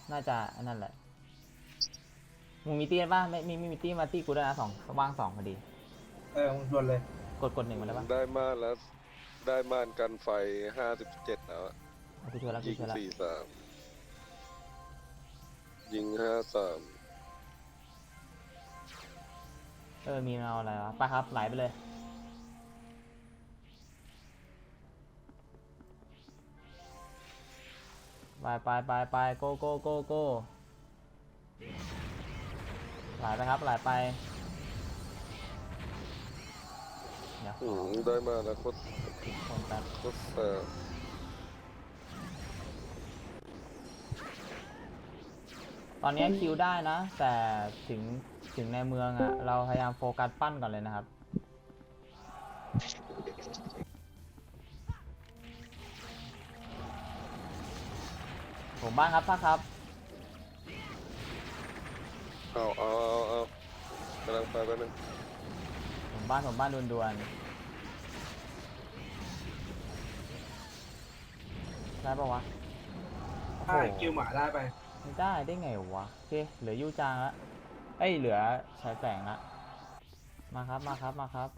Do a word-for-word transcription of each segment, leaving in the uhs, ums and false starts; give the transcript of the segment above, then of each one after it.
น่าจะนั่นแหละมึงมีตีป่ะไม่มีไม่มีตีมาตีกูด้วยนะสองว่างสองพอดีเออมึงชวนเลยกดกดหนึ่งมาแล้วป่ะได้ม่านแล้วได้ม่านกันไฟห้าสิบเจ็ดแล้วอะกูช่วยแล้วกูยิงช่วยแล้วสี่สามยิงห้าสามเออมีเอาอะไรวะไปครับไหลไปเลยไปไปไปไปโกโกโกโกไหลไปครับไหลไปเดี๋ยวขอือมได้ม่านแล้วโคตรติดคนแป๊บโคตรแสบตอนนี้คิวได้นะแต่ถึงถึงในเมืองอ่ะเราพยายามโฟกัสปั้นก่อนเลยนะครับผมบ้านครับท่าครับเอาเอาเอาเอากำลังไปแป๊บนึงผมบ้านผมบ้านด่วนๆได้ปะวะโอ้โหได้คิวหมาได้ไปไม่ได้ได้ไงวะโอเคเหลือยูจางละเอ้ยเหลือชายแสงละมาครับมาครับมาครับ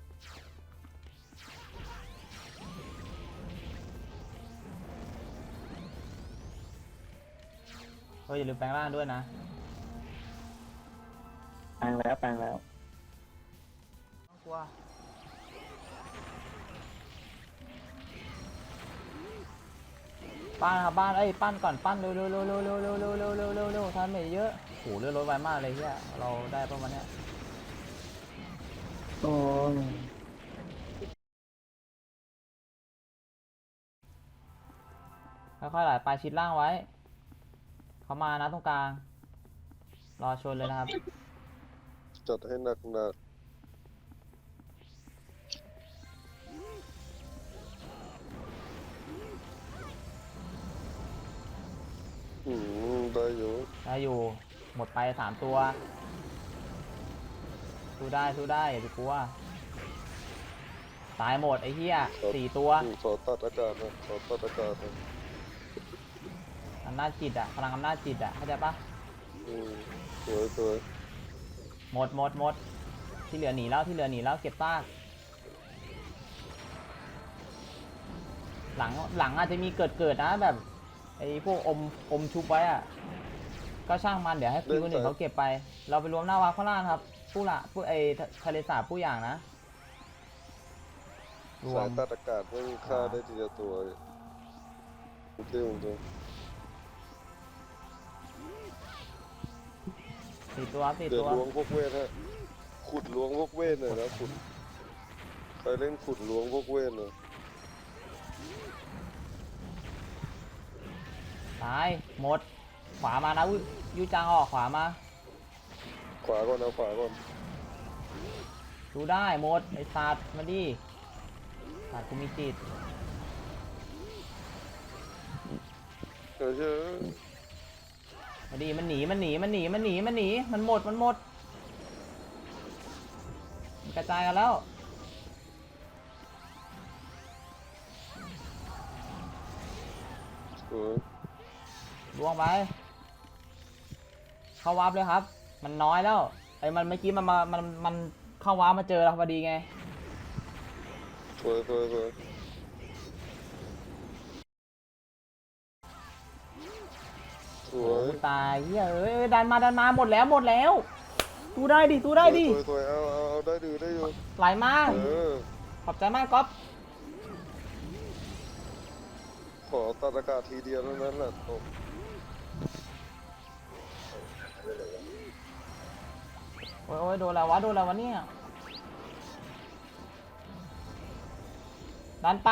เฮ้ยอย่าลืมแปลงร่างด้วยนะแปลงแล้วแปลงแล้วต้องกลัวปั้นครับบ้านเอ้ยปั้นก่อนปั้นเร็วเร็วเร็วเร็วเร็วเร็วเร็วเร็วเร็วเร็วเร็วทำไม่เยอะโหเลือดลดไวมากเลยเฮียเราได้ประมาณเนี้ยโอ้ยค่อยๆไหลไปชิดล่างไว้เขามานะตรงกลางรอชนเลยนะครับจัดให้หนักหนักอืมได้อยู่ได้อยู่หมดไปสามตัวสู้ได้สู้ได้อย่าไปกลัวตายหมดไอ้เหี้ยสี่ตัวอืมขอตัดอากาศนะขอตัดอากาศนะอำนาจจิตอะพลังอำนาจจิตอะเข้าใจปะอืมสวยสวยหมดหมดหมดที่เหลือหนีแล้วที่เหลือหนีแล้วเก็บซากหลังหลังอาจจะมีเกิดเกิดนะแบบไอ้พวกอมอมชุบไว้อะก็ช่างมันเดี๋ยวให้คิวคนอื่นเขาเก็บไปเราไปรวมหน้าวาข้างล่างครับผู้ละผู้ไอ้ทะเลสาบผู้อย่างนะรวสายมตัดอากาศไม่มีค่าได้ทีละตัวโอเคโอเคสี่ตัวสี่เดี๋ยตัว วล้วงพวกเวทฮะขุดล้วงพวกเวทหน่อยนะขุดใครเล่นขุดล้วงพวกเวทหน่อยตายหมดขวามานะยูจางออกขวามาขวาก่อนเอาขวาก่อนดูได้หมดไอ้สัตว์มาดิสัตว์กูมีจิตเออเชื่อมาดิมันหนีมันหนีมันหนีมันหนีมันหนีมันหมดมันหมดมันกระจายกันแล้วเออล่วงไปเข้าวาร์ปเลยครับมันน้อยแล้วไอ้มันเมื่อกี้มันมามันมันเข้าวาร์ปมาเจอเราพอดีไงสวยสวยสวยสวโอ้ยตายเฮ้ยเอ้ยดันมาดันมาหมดแล้วหมดแล้วตู้ได้ดิตู้ได้ดิสวยสวยเอาเอาเอาได้ดูได้อยู่ไหลมากเออขอบใจมากก๊อฟขอตัดอากาศทีเดียวเท่านั้นแหละตกโอ้ยโอ้ยโดนแล้ววะโดนแล้ววะเนี่ยดันไป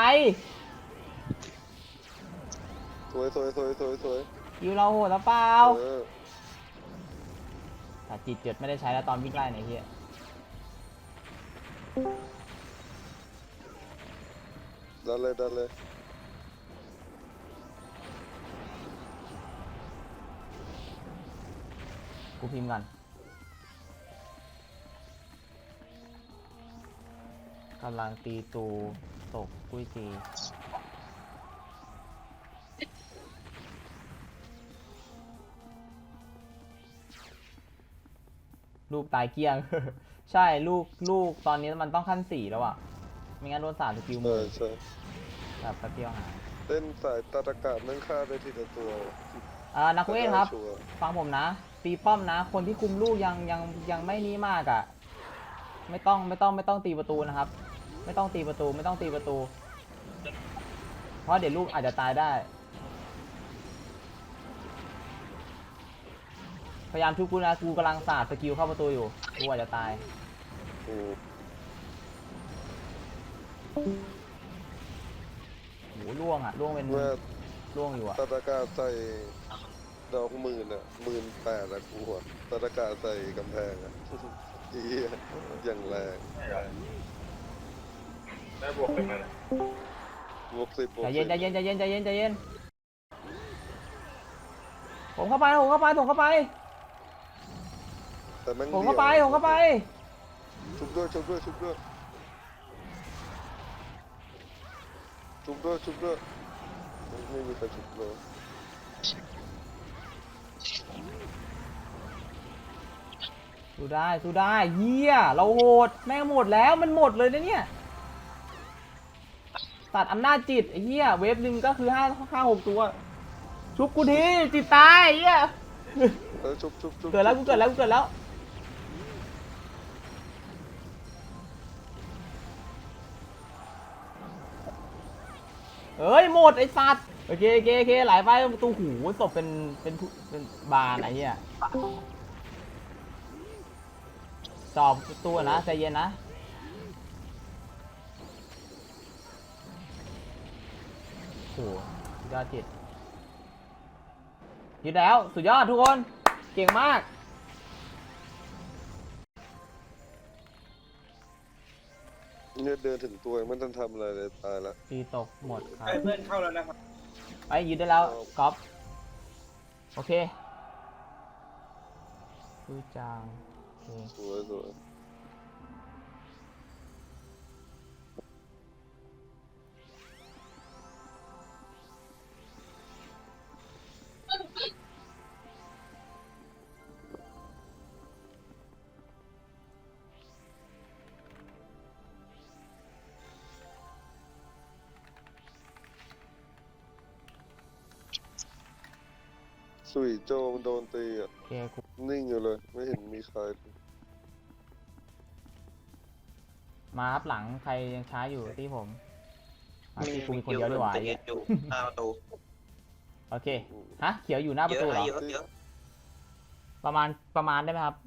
สวยสวยสวยสวยสวยคิวเราโหดแล้วเปล่าเออแต่จิตเจ็ดไม่ได้ใช้แล้วตอนวิ่งไล่ไหนเฮียดันเลยดันเลยกูพิมพ์กันกำลังตีตูตกกุ้ยตีลูกตายเกลี้ยง ใช่ลูกลูกตอนนี้มันต้องขั้นสี่แล้วอ่ะไม่งั้นโดนสาดสกิลมืใช่อใช่แบบแป๊บเดียวหายเล่นสายตาตะกาศนั่งฆ่าได้ทีละตัวอ่านักเวทครับชัวร์ฟังผมนะ ตีป้อมนะ คนที่คุมลูกยังยังยังไม่นี้มากอะ่ะไม่ต้องไม่ต้องไม่ต้องตีประตูนะครับ ไม่ต้องตีประตูไม่ต้องตีประตู เพราะเดี๋ยวลูกอาจจะตายได้ พยายามชุบกูนะกูกำลังสาดสกิลเข้าประตูอยู่กูอาจจะตายอืมโหล่วงอ่ะล่วงเป็นเมื่อล่วงอยู่อ่ะตาตะกาศใส่ดอกหมื่นอ่ะหมื่นแปดอะกูอ่ะตาตะกาศใส่กำแพงอ่ะ อีเหี้ยอย่างแรงได้บวกเป็นไงบวกสิบบวกใจสิเย็นบใจเย็นใจเย็นใจเย็นใจเย็นผมเข้าไปผมเข้าไปผมเข้าไปแต่แม่งผมเข้าไปผมเข้าไปชุบด้วยชุบด้วยชุบด้วยชุบด้วยชุบด้วยไม่มีใครชุบเลยสู้ได้สู้ได้เยี่ยเราโหดแม่งหมดแล้วมันหมดเลยนะเนี่ยตัดอำนาจจิตไอ้เหี้ยเวฟหนึ่งก็คือห้าห้าหกตัวชุบกูทีจิตตายไอ้เหี้ยเออชุบชุบชุบเกิดแล้วกูเกิดแล้วกูเกิดแล้วเอ้ยหมดไอ้สัตว์โอเคโอเคโอเคไหลไปประตูหูศพเป็นเป็นเป็นบานไอ้เหี้ยจอบตัวนะใจเย็นนะโอ้สุดยอดจิตยึดแล้วสุดยอดทุกคนเก่งมากเนี่ยเดินถึงตัวยังไม่ทันทำอะไรเลยตายละตีตกหมดครับไอ้เพื่อนเข้าแล้วนะครับไปยึดได้แล้วก๊อฟโอเคดูจางโอเคสวยสวย สุยโจมันโดนตีอ่ะโอเคกูนิ่งอยู่เลย ไม่เห็นมีใครมาครับหลังใครยังช้าอยู่ที่ผมมาที่กูมีคนเดียวดีกว่าแต่ยืนอยู่หน้าประตูโอเคฮะเขียวอยู่หน้าประตูเหรอเยอะเยอะประมาณประมาณได้ไหมครับ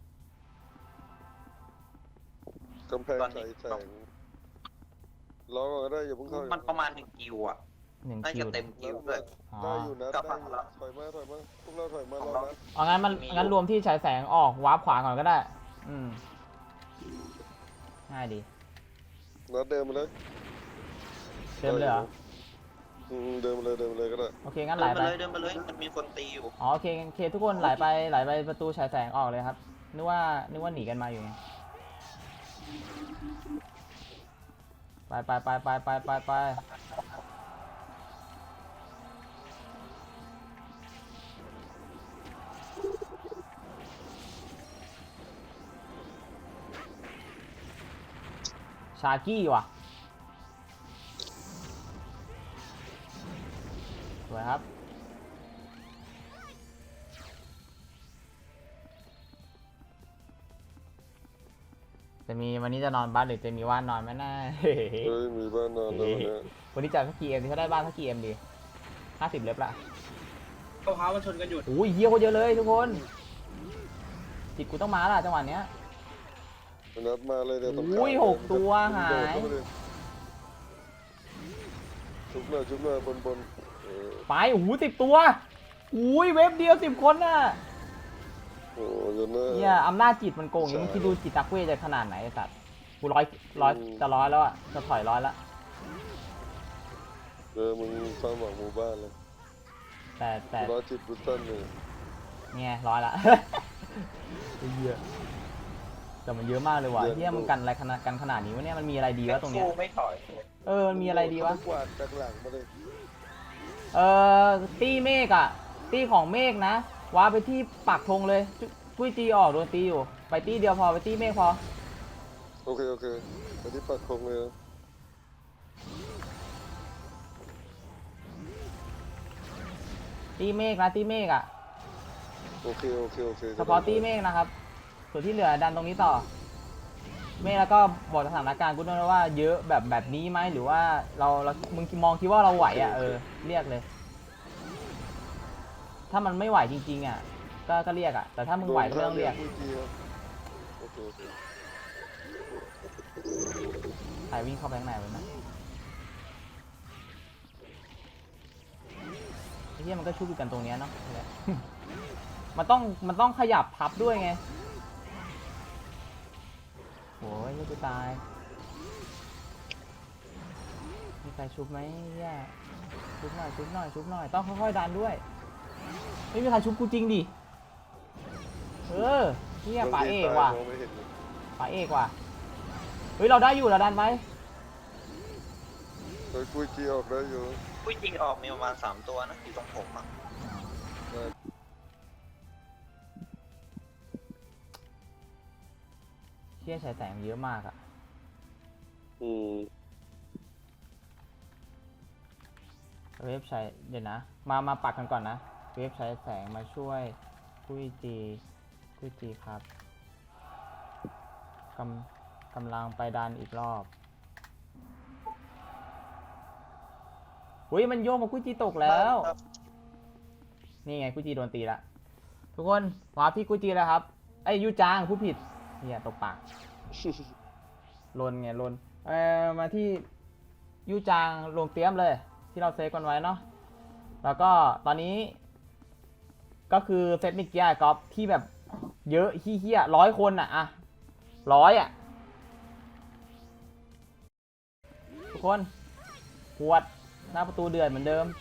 กำแพงใสแสงรอก่อนก็ได้อย่าเพิ่งเข้ามันประมาณหนึ่งกิวอ่ะหนึ่งน่าคิจะวเต็มกิวด้วยอ๋อได้อยู่นะกลัได้บอยู่มาแล้วถอยมาถอยมาพวกเราถอยมารอนะเอางั้นมันมีอยู่งั้นรวมที่ฉายแสงออกวาร์ปขวาก่อนก็ได้อืมง่ายดีนัดเดินมาเลยเติมเลยเหรออืมเดินมาเลยเดินมาเลยก็ได้โอเคงั้นไหเดิลนไปมาเลยเดินมาเลยมันมีคนตีอยู่อ๋อโอเคโอเคทุกคนไหลไปไหลไปประตูฉายแสงออกเลยครับนึกว่านึกว่าหนีกันมาอยู่ไงไปไปไปไปไปไปไปชากี้ว่ะสวยครับจะมีวันนี้จะนอนบ้านหรือจะมีว่านนอนไหมนะเฮ้ยมีบ้านนอนแล้วเนี่ยวันนี้จ่ายสักกี่เอ็มดีเขาได้บ้านสักกี่เอ็มดีห้าสิบเล็บละเอาเท้ามาชนกันอยู่โอ้ยเฮียโคตรเยอะเลยทุกคนจิตกูต้องมาละจังหวะเนี้ยนัดมาเลยเดี๋ยวต้องอุ้ยหกตัวหายชุบเลยชุบเลยบนบนเออไปโอ้โหสิบตัวอุ้ยเว็บเดียวสิบคนน่ะโอ้ยเนอะเฮียอำนาจจิตมันโกงอย่างนี้มึงคิดดูจิตตะเวจะขนาดไหนไอ้สัตว์กูร้อยร้อยจะร้อยแล้วอ่ะจะถอยร้อยละเออมึงความหวังหมู่บ้านเลยแต่แต่ร้อยจิตบุตตันเลยเงี้ยร้อยละ เฮียแต่มันเยอะมากเลยว่ะเฮียมันกันอะไรขนาดกันขนาดนี้วะเนี่ยมันมีอะไรดีวะตรงเนี้ยสู้ไม่ถอยเออมันมีอะไรดีวะกวาดจากหลังมาเลยเอ่อตี้เมฆอะตี้ของเมฆนะว้าไปที่ปักธงเลยจุกุ้ยตีออกโดนตีอยู่ไปไปตี้เดียวพอไปตี้เมฆพอโอเคโอเคไปที่ปักธงเลยนะตี้เมฆนะตี้เมฆอ่ะโอเคโอเคโอเคเฉพาะตี้เมฆนะครับ ส่วนที่เหลือดันตรงนี้ต่อ เมฆแล้วก็บอกสถานการณ์กูด้วยนะว่าเยอะแบบแบบนี้ไหมหรือว่าเราเรามึงมองคิดว่าเราไหวอ่ะเออเรียกเลย ถ้ามันไม่ไหวจริงๆอ่ะก็ก็เรียกอ่ะแต่ถ้ามึงไหวก็ไม่ต้องเรียกโดนท่าเรือโอเคโอเคใครวิ่งเข้าไปข้างในไว้นะไอ้เหี้ยมันก็ชุบอยู่กันตรงเนี้ยเนาะ มันต้องมันต้องขยับพับด้วยไงโอ้ยนี่กูตายมีใครชุบไหมเนี่ยชุบหน่อยชุบหน่อยชุบหน่อยต้องค่อยๆดันด้วยไม่มีใครชุบกูจริงดิเออเนี่ยป่าเอกว่ะมองไม่เห็นเลยป่าเอกว่ะเฮ้ยเราได้อยู่เราดันไปเฮ้ยกุยจีออกได้อยู่ผู้จริงออกมีประมาณสามตัวนะอยู่ตรงผมอ่ะได้เชี่ยฉายแสงเยอะมากอะอืมเว็บใช้เดี๋ยวนะมามาปักกันก่อนนะเว็บใช้แสงมาช่วยคุยจีคุยจีครับกำกำลังไปดันอีกรอบอุ้ยมันโยกมาคุยจีตกแล้วนี่ไงคุยจีโดนตีละทุกคนวาร์ปที่คุยจีแล้วครับไอ้ยยูจางผู้ผิดเนี่ยตกปาก ลนไงลนเออมาที่ยูจางลงเตรียมเลยที่เราเซฟกันไว้เนาะแล้วก็ตอนนี้ก็คือเซตมิกเกียร์กอล์ฟที่แบบเยอะเฮี้ยร้อยคนอ่ะอะร้อยอ่ะทุกคนปวดหน้าประตูเดือดเหมือนเดิม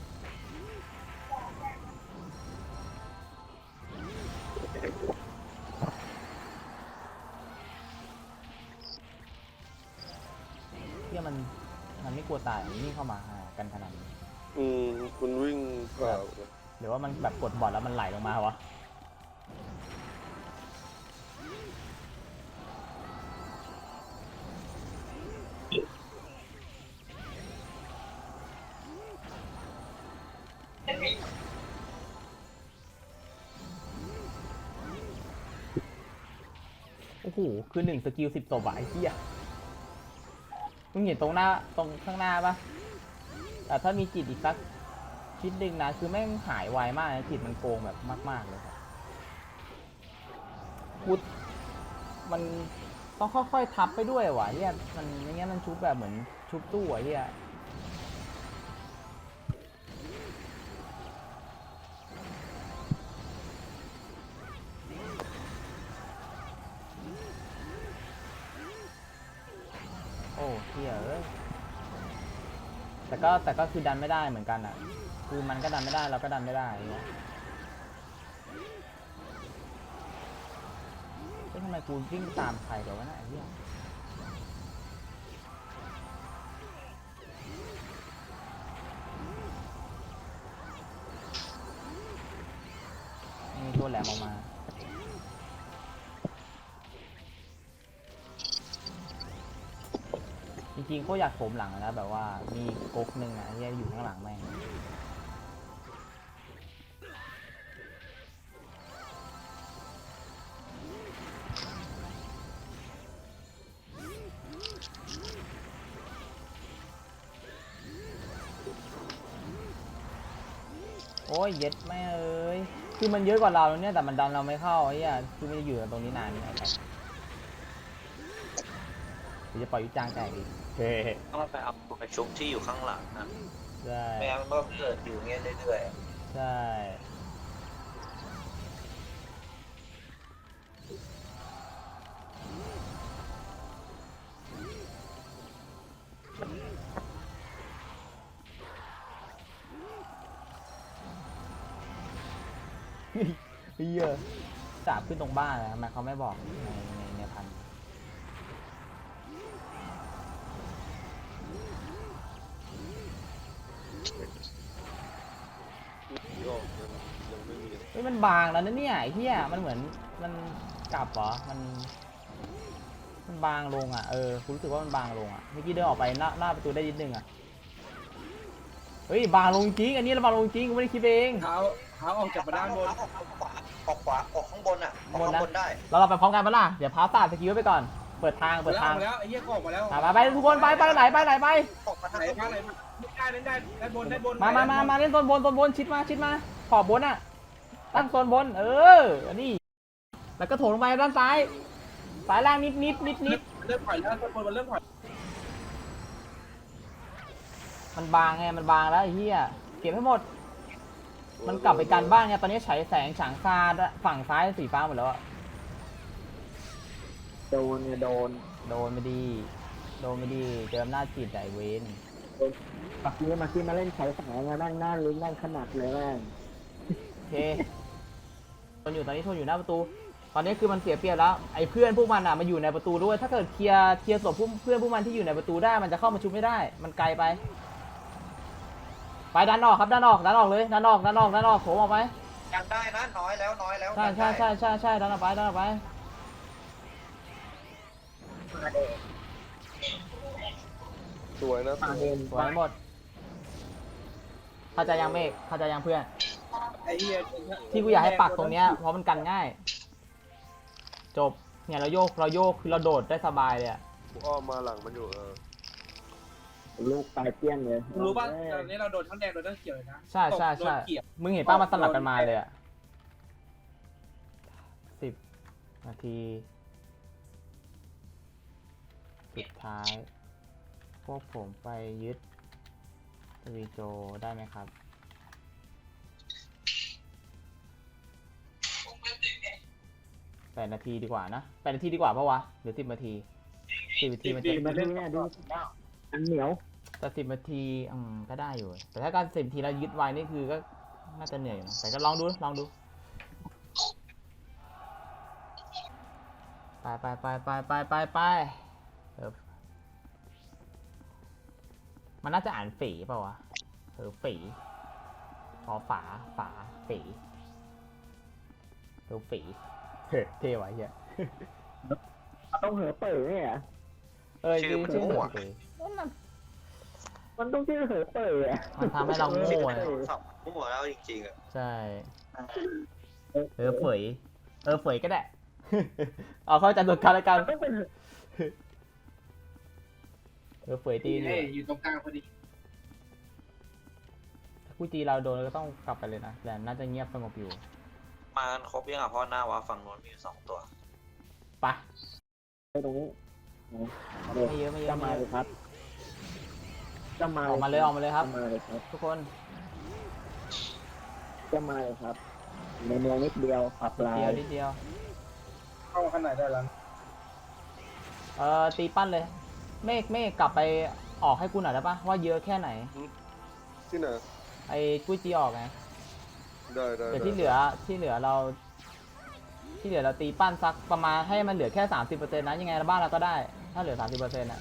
เฮี้ยมันมันไม่กลัวตายมันวิ่งเข้ามาหากันขนาดนี้อืมคุณวิ่งผ่าหรือว่ามันแบบกดบอลแล้วมันไหลลงมาวะโอ้โหคือหนึ่งสกิลสิบศพอะไอ้เหี้ยมึงเห็นตรงหน้าตรงข้างหน้าปะแต่ถ้ามีจิตอีกสักชิ้นหนึ่งนะคือแม่งหายไวมากนะจิตมันโกงแบบมากๆเลยครับพุดมันต้องค่อยๆทับไปด้วยว่ะเฮียมันไม่งั้นมันชุบแบบเหมือนชุบตู้อ่ะเฮียโอ้เฮียเอ้ยแต่ก็แต่ก็คือดันไม่ได้เหมือนกันอ่ะคือมันก็ดันไม่ได้เราก็ดันไม่ได้เงี้ยเฮ้ยทำไมกูวิ่งตามใครกันวะน่ะไอ้เหี้ยมีตัวแหลมออกมาจริงๆเขาอยากโถมหลังนะแบบว่ามีก๊กหนึ่งอ่ะที่อยู่ข้างหลังแม่งโอ้ยเย็ดแม่เอ้ยคือมันเยอะกว่าเราแล้วเนี่ยแต่มันดันเราไม่เข้าไอ้เหี้ยคือไม่ได้อยู่ตรงนี้นานไงครับเดี๋ยวจะปล่อยยุจางแตกอีกเฮ้ต้องไปเอาไปชุบที่อยู่ข้างหลังนะใช่ไม่งั้นมันก็เกิดอยู่เงี้ยเรื่อยๆอะใช่เฮียจับขึ้นตรงบ้านเลยทำไมเขาไม่บอกในในในพันออกยังยังไม่มีเฮ้ยมันบางแล้วนะเนี่ยไอ้เฮียมันเหมือนมันกลับเหรอมันมันบางลงอ่ะเออคุณรู้สึกว่ามันบางลงอ่ะเมื่อกี้เดินออกไปหน้าหน้าประตูได้นิดนึงอ่ะเฮ้ยบางลงจริงอันนี้เราบางลงจริงกูไม่ได้คิดเองเท้าเท้าออกจากมาด้านบนออกขวาออกขวาออกข้างบนอ่ะออกบนข้างนะบนได้เราเราไปพร้อมกันปะล่ะเดี๋ยวพาสตาร์สกิลไว้ไปก่อนเปิดทางหมเปิดดแล้วทางหมดแล้วไอ้เหี้ยก็ออกมาแล้วไปไปไปทุกคนไปไปไหนไปไหนไปออกมาทางไหนข้างบบ้างนไหนได้เล่นได้ด้านบนด้านบนมามามามาเล่นโซนบนโซนบนชิดมาชิดมาขอบบนอ่ะตั้งโซนบนเอออันนี้แล้วก็โถงลงไปด้านซ้ายสายล่างนิดนิดนิดนิดเริ่มปล่อยแล้วด้านบนมันเริ่มปล่อยมันบางไงมันบางแล้วไอ้เหี้ยเก็บให้หมด มันกลับไปกันบ้านไงตอนนี้ฉายแสงฉางซาดฝั่งซ้ายสีฟ้าหมดแล้วอะโดนเนี่ยโดนโดนไม่ดีโดนไม่ดีเจออำนาจจิตไอเวนปักนี้มาที่มาเล่นใช้สายมานั่งหน้าลุ้นนั่งขนาดเลยแม่งโอเคทนอยู่ตอนนี้ทนอยู่หน้าประตู ตอนนี้คือมันเสียเปรียบแล้วไอ้เพื่อนพวกมันอ่ะมาอยู่ในประตูด้วยถ้าเกิดเคลียร์เคลียร์ศพเพื่อนพวกมันที่อยู่ในประตูได้มันจะเข้ามาชุบไม่ได้มันไกลไป ไปดันออกครับดันออกดันออกเลยดันออกดันออกดันออกโถมออกไปยังได้นะน้อยแล้วน้อยแล้วใช่ใช่ใช่ใช่ใช่ดันออกไปดันออกไปสวยนะมาเดินสวยหมดเข้าใจยังเมฆเข้าใจยังเพื่อนไอ้เหี้ยที่กูอยากให้ปักตรงเนี้ยเพราะมันกันง่าย จบเนี่ยเราโยกเราโยกคือเราโดดได้สบายเลยอะกูอ้อมมาหลังมันอยู่เออลูกตายเปี้ยงเลยรู้ป่ะตอนนี้เราโดนทั้งแดงโดนทั้งเขียวเลยนะใช่ใช่โดใช่นเขียวมึงเห็นป้ามันสลับกันมาเลยอะสิบนาทีสุดท้าย พวกผมไปยึดทวีโจได้ไหมครับแปดนาทีดีกว่านะแปดนาทีดีกว่าปะวะหรือสิบนาทีสิบนาทีมันจะมาเล่นเนี่ยดูอันเหนียวแต่สิบนาทีอืมก็ได้อยู่ แต่ถ้าการสิบนาทีแล้วยึดไว้นี่คือก็น่าจะเหนื่อยอยู่นะแต่ก็ลองดูลองดูไปไปไปไปไปไปไปเออมันน่าจะอ่านฝีเปล่าวะเออฝีพอฝาฝาฝีเออฝีเฮ้เท่ไว้เหี้ยต้องเหอเป๋อเนี่ยเออจริงชื่อหัวฝีมันต้องชื่อเหอเป๋ออ่ะมันทำให้เราโง่ชื่ออะสับมั่วแล้วจริงๆอ่ะใช่ เออเฝยเออเฝยก็ได้ เอาเข้าใจตัวกันแล้วกันต้องเป็นเออเฝยตีอยู่เอ้ยอยู่ตรงกลางพอดีถ้ากูตีเราโดนเราก็ต้องกลับไปเลยนะแต่น่าจะเงียบสงบอยู่มากันครบยังอ่ะเพราะหน้าว่าฝั่งโน้นมีอยู่สองตัวไปไปตรงนี้ไม่เยอะไม่เยอะจะไม่มาเยเลยอะครับจะมาออกมาเลยออกมาเลยครับจะมาเลยครับทุกคนจะมาเลยครับ ในเมืองนิดเดียวขับลาเดียวย นิดเดียวเข้ามาข้างในได้แล้วเออตีปั้นเลย เมฆเมฆกลับไปออกให้กูหน่อยได้ปะว่าเยอะแค่ไหนที่ไหนไอ้กุ้ยจีออกไงได้ได้แต่ได้ที่เหลือที่เหลือเรา ที่เหลือเราตีปั้นสักประมาณให้มันเหลือแค่สามสิบเปอร์เซ็นต์นะยังไงบ้านเราก็ได้ ถ้าเหลือสามสิบเปอร์เซ็นต์อะ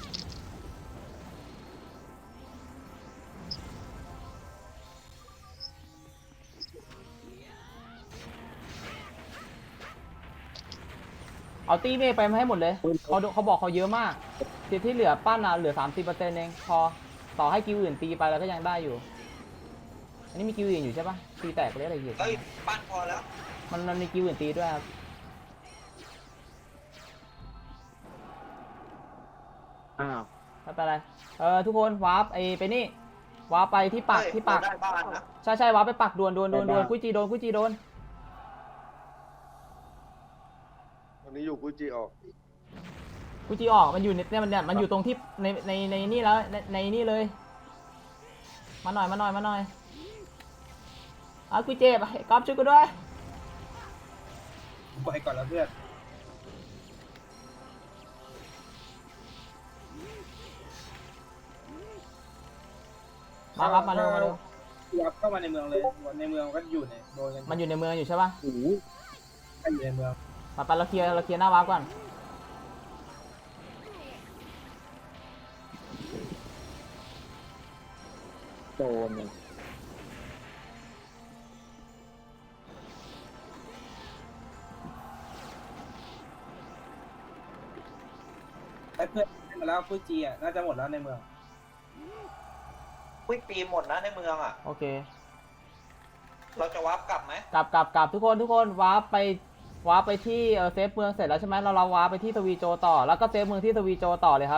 เอาตีเมฆไปมาให้หมดเลยเขาดูเขาบอกเขาเยอะมากที่ที่เหลือปั้นอะเหลือสามสิบเปอร์เซ็นต์เองพอต่อให้กิวอื่นตีไปเราก็ยังได้อยู่ อันนี้มีกิวอื่นอยู่ใช่ปะตีแตกไปเรื่อยอะไรอยู่เฮ้ยปั้นพอแล้วมันมันมีกิวอื่นตีด้วยครับอ้าวไม่เป็นไรเออทุกคนวาร์ปไอไปนี่วาร์ปไปที่ปักเฮ้ยที่ปักเราได้บ้านนะใช่ใช่วาร์ปไปปักดวนดวนดวนดวนกุ้ยจีโดนกุ้ยจีโดนวันนี้อยู่กูจีออกกุ้ยจีออกมันอยู่ในเนี่ยมันเนี่ยมันอยู่ตรงที่ในในในนี่แล้วในในนี่เลย มาหน่อยมาหน่อยมาหน่อยเอากุ้ยเจ็บไอ้ก๊อฟช่วยกูด้วยปล่อยก่อนแล้วเพื่อนมาครับมาเร็วมาเร็ววับเข้ามาในเมืองเลยในเมืองก็อยู่ในโดนกันมันอยู่ในเมืองอยู่ใช่ปะโอ้โหก็อยู่ในเมืองไปไปเราเคลียร์เราเคลียร์หน้าวาร์ปก่อนโดนเนี่ยอ้เพื่อนให้มาแล้วฟูจิอ่ะน่าจะหมดแล้วในเมืองคุยปีหมดนะในเมืองอ่ะโอเคเราจะวาร์ปกลับไหมกลับกลับกลับทุกคนทุกคนวาร์ปไปวาร์ปไปที่เออเซฟเมืองเสร็จแล้วใช่ไหมเราเราวาร์ปไปที่สวีโจต่อแล้วก็เซฟเมืองที่สวีโจต่อเลยครับ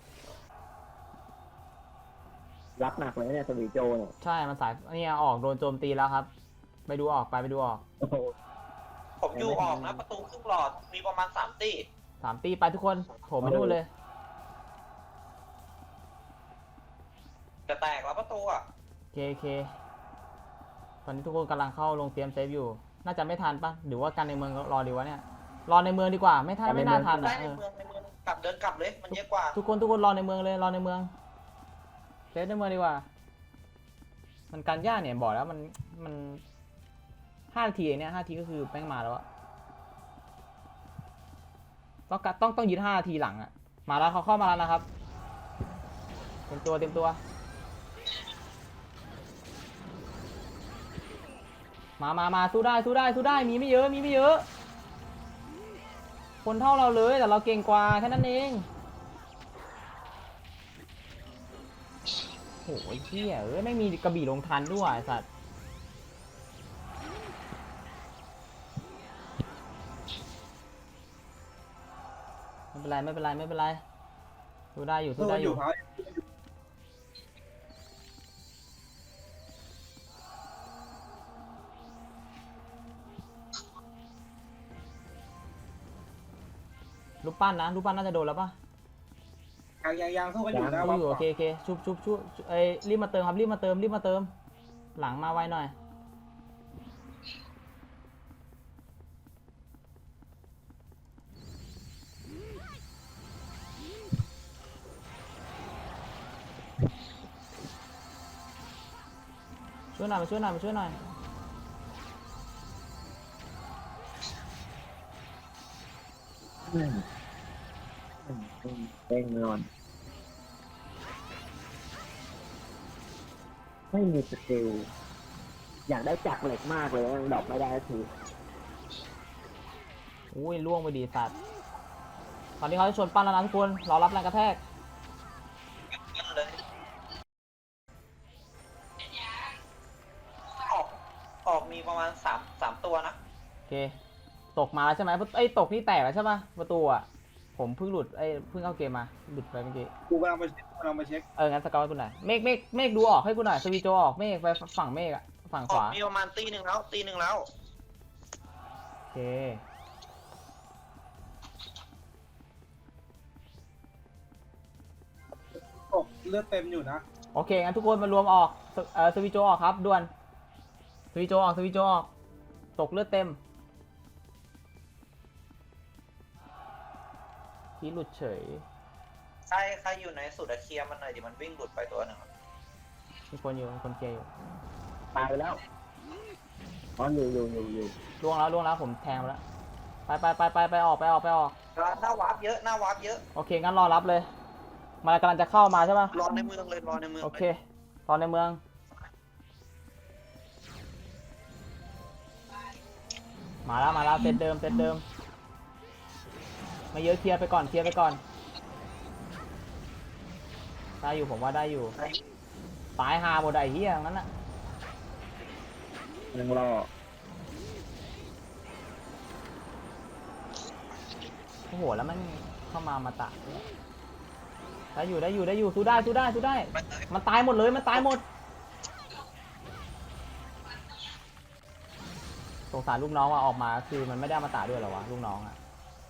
รับหนักเลยเนี่ยสวีโจเนี่ยใช่มันสายเนี่ยออกโดนโจมตีแล้วครับ ไปดูออกไปไปดูออกโอ้โหผมอยู่ออกนะ ประตูครึ่งหลอดมีประมาณสามตีสามตีไปทุกคนโถมไปนู่นเลยจะแตกแล้วประตูอ่ะโอเคโอเคตอนนี้ทุกคนกำลังเข้าลงเตรียมเซฟอยู่ น่าจะไม่ทันปะหรือว่าการในเมืองรอดีวะเนี่ยรอในเมืองดีกว่าไม่ทันไม่น่าทันได้อ่ะในเออเมืองในเมืองกลับเดินกลับเลยมันเยอะกว่าทุกคนทุกคนรอในเมืองเลยรอในเมืองเซฟในเมืองดีกว่า มันการย่าเนี่ยบอกแล้วมันมันห้านาทีเองเนี่ยห้านาทีก็คือแป้งมาแล้วอะต้องกะต้องต้องยืนห้านาทีหลังอะมาแล้วเขาเข้ามาแล้วนะครับเต็มตัวเต็มตัวมามามาสู้ได้สู้ได้สู้ได้มีไม่เยอะมีไม่เยอะ คนเท่าเราเลยแต่เราเก่งกว่าแค่นั้นเองโอ้ยเหี้ยเอ้ยไม่มีกระบี่ลงทันด้วยไอ้สัตว์ไม่เป็นไรไม่เป็นไรไม่เป็นไรสู้ได้อยู่สู้สู้ได้ออยู่ ยู่เขารูปปั้นนะรูปปั้นน่าจะโดนแล้วปะยังยังยังสู้กันอยู่นะสู้ว่าอยู่โอเคโอเคชุบชุบชุบเอ้ยรีบมาเติมครับรีบมาเติมรีบมาเติมหลังมาไวหน่อยช่วยหน่อยมาช่วยหน่อยมาช่วยหน่อยอืมอืมอืมเต้งนอนไม่มีสกิลอยากได้จักรเหล็กมากเลยยังดอกไม่ได้สักทีอุ้ยล่วงไปดีสัตว์ตอนนี้เขาจะชนปั้นแล้วนะทุกคนรอรับแรงกระแทกเลยออกออกมีประมาณสามสามตัวนะโอเคตกมาแล้วใช่ไหมไอ้ยตกนี่แตกแล้วใช่ปะประตูอ่ะผมเพิ่งหลุดไอ้ยเพิ่งเข้าเกมมาหลุดไปเมื่อกี้กูกำลังไปเช็คกูกำลังไปเช็คเอองั้นสเกลให้กูหน่อยเมฆเมฆเมฆดูออกให้กูหน่อยสวีโจออกเมฆไปฝั่งเมฆอะฝั่งอขอกวามีประมาณตีหนึ่งแล้วตีหนึ่งแล้วโอเคตกเลือดเต็มอยู่นะโอเคงั้นทุกคนมารวมออกสเออสวีโจออกครับด่วนสวีโจออกสวีโจออกตกเลือดเต็มที่หลุดเฉยใครใครอยู่ในสุดอะเคลียร์มันหน่อยดิมันวิ่งหลุดไปตัวหนึ่งอะมีคนอยู่มีคนเคลียร์อยู่ตายไปแล้วอ๋ออยู่อยู่อยู่อยู่ล่วงแล้วล่วงแล้วผมแทงไปแล้วไปไปไปไปไปออกไปออกไปออกหน้าวาร์ปเยอะหน้าวาร์ปเยอะโอเคงั้นรอรับเลยมันกำลังจะเข้ามาใช่ปะรอในเมืองเลยรอในเมืองโอเลยเคตอนในเมืองมาแล้วมาแล้วเซตเดิมเซตเดิมไม่เยอะเคลียร์ไปก่อนเคลียร์ไปก่อนได้อยู่ผมว่าได้อยู่ตายหาหมดไอ้เหี้ยงั้นน่ะยังรอโอ้โหแล้วมันเข้ามามาตะได้อยู่ได้อยู่ได้อยู่สู้ได้สู้ได้สู้ได้มันเลยมันตายหมดเลยมันตายหมดสงสารลูกน้องว่าออกมาคือมันไม่ได้มาตาด้วยเหรอวะลูกน้องอะ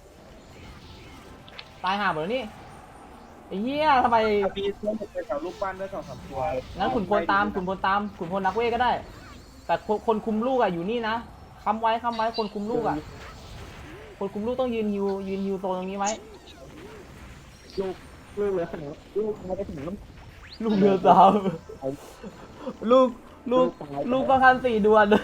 ตายห่าหมดแล้วนี่ไอ้เหี้ยทำไมมีเพื่อนไปแถวลูกบ้านด้วยสองสามตัวงั้นขุนพลตามขุนพลตามขุนพลนักเวทก็ได้ แต่คนคนคุมลูกอะอยู่นี่นะค้ำไว้ค้ำไว้คนคุมลูกอะคนคุมลูกต้องยืนฮิวยืนฮิวโซนตรงนี้ไว้ลูกลูกเหลือขนาดลูกไม่ได้ถึงน้ำลูกเรือสาวลูกลูกลูกประคันสี่ดวน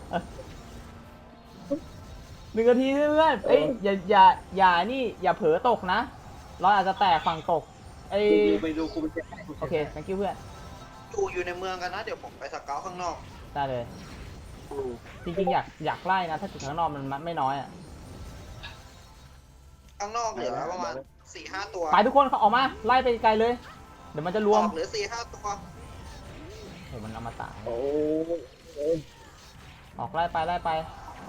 หนึ่งนาทีเพื่อนเอ้ยอย่าอย่าอย่านี่อย่าเผลอตกนะเราอาจจะแตกฝั่งตกไอ้ไปดูกูไปเช็คให้กูโอเค thank you เพื่อนอยู่อยู่ในเมืองกันนะเดี๋ยวผมไปสเกาต์ข้างนอกได้เลยจริงๆอยากอยากไล่นะถ้าจุดข้างนอกมันไม่น้อยอ่ะข้างนอกเหลือประมาณสี่ห้าตัวไปทุกคนเขาออกมาไล่ไปไกลเลย เดี๋ยวมันจะรอวมอกเหลือสี่ห้าตัวโหมันอมตะโอ้ยออกไล่ไปไล่ไป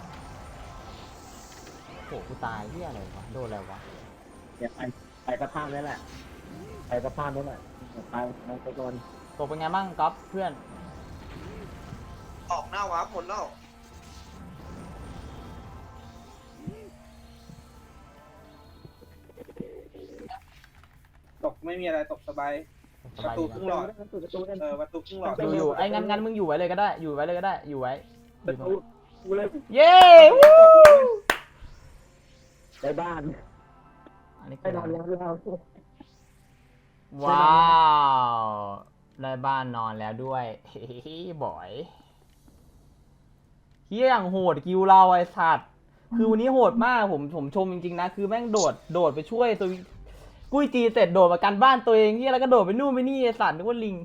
โหกูตายเฮียอะไรวะโดนอะไรวะเดี๋ยวไปไปกระพานนี่แหละไปกระพานนี่แหละไปไปไปก่อนตกเป็นไงบ้างก๊อฟเพื่อนออกหน้าวาร์ปหมดแล้วตกไม่มีอะไรตกสบายสประบายตูดีครึ่งนะหลอดประตูประตูนั่นเออประตูครึ่งหลอดอยู่อยู่ไอ้งั้นงั้นมึงอยู่ไว้เลยก็ได้อยู่ไว้เลยก็ได้อยู่ไว้อประยู่ตรตูงกูเลยเย้วู้ได้บ้านอันนี้ไปนอนแล้วเราว้าวได้บ้านนอนแล้วด้วยเฮ้ยบอยเฮียอย่างโหดกิวเราไอ้สัตว์คือวันนี้โหดมากผมผมชมจริงๆนะคือแม่งโดดโดดไปช่วยตัวกุ้ยจีเสร็จโดดมากันบ้านตัวเองเฮียแล้วก็โดดไปนู่นไปนี่ไอ้สัตว์นึกว่าลิง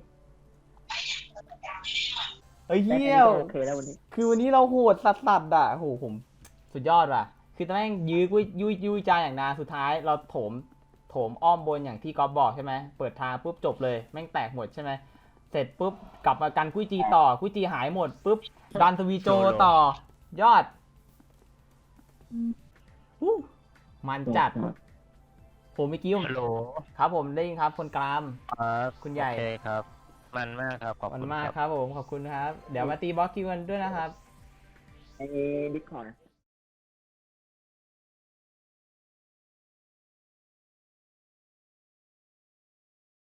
เฮ้ยเฮียโอเคแล้ววันนี้คือวันนี้เราโหดสัสสัสๆอ่ะโหผมสุดยอดว่ะ คือตอนแม่งยื้อกุ้ยยุ้ยยุ้ยจาอย่างนานสุดท้ายเราโถมโถมอ้อมบนอย่างที่ก๊อฟบอกใช่ไหมเปิดทางปุ๊บจบเลยแม่งแตกหมดใช่ไหมเสร็จปุ๊บกลับมากันกุ้ยจีต่อกุ้ยจีหายหมดปุ๊บดันทวีโจต่อยอดวู้มันจัดผมเมื่อกี้ผมฮัลโหลครับผมได้ยินครับคนกลางครับคุณใหญ่โอเคครับ มันมากครับขอบมันคุณมากครับครับผมขอบคุณครับ เดี๋ยวมาตีบล็อกคิวกันด้วยนะครับไอ้ดิสคอร์ด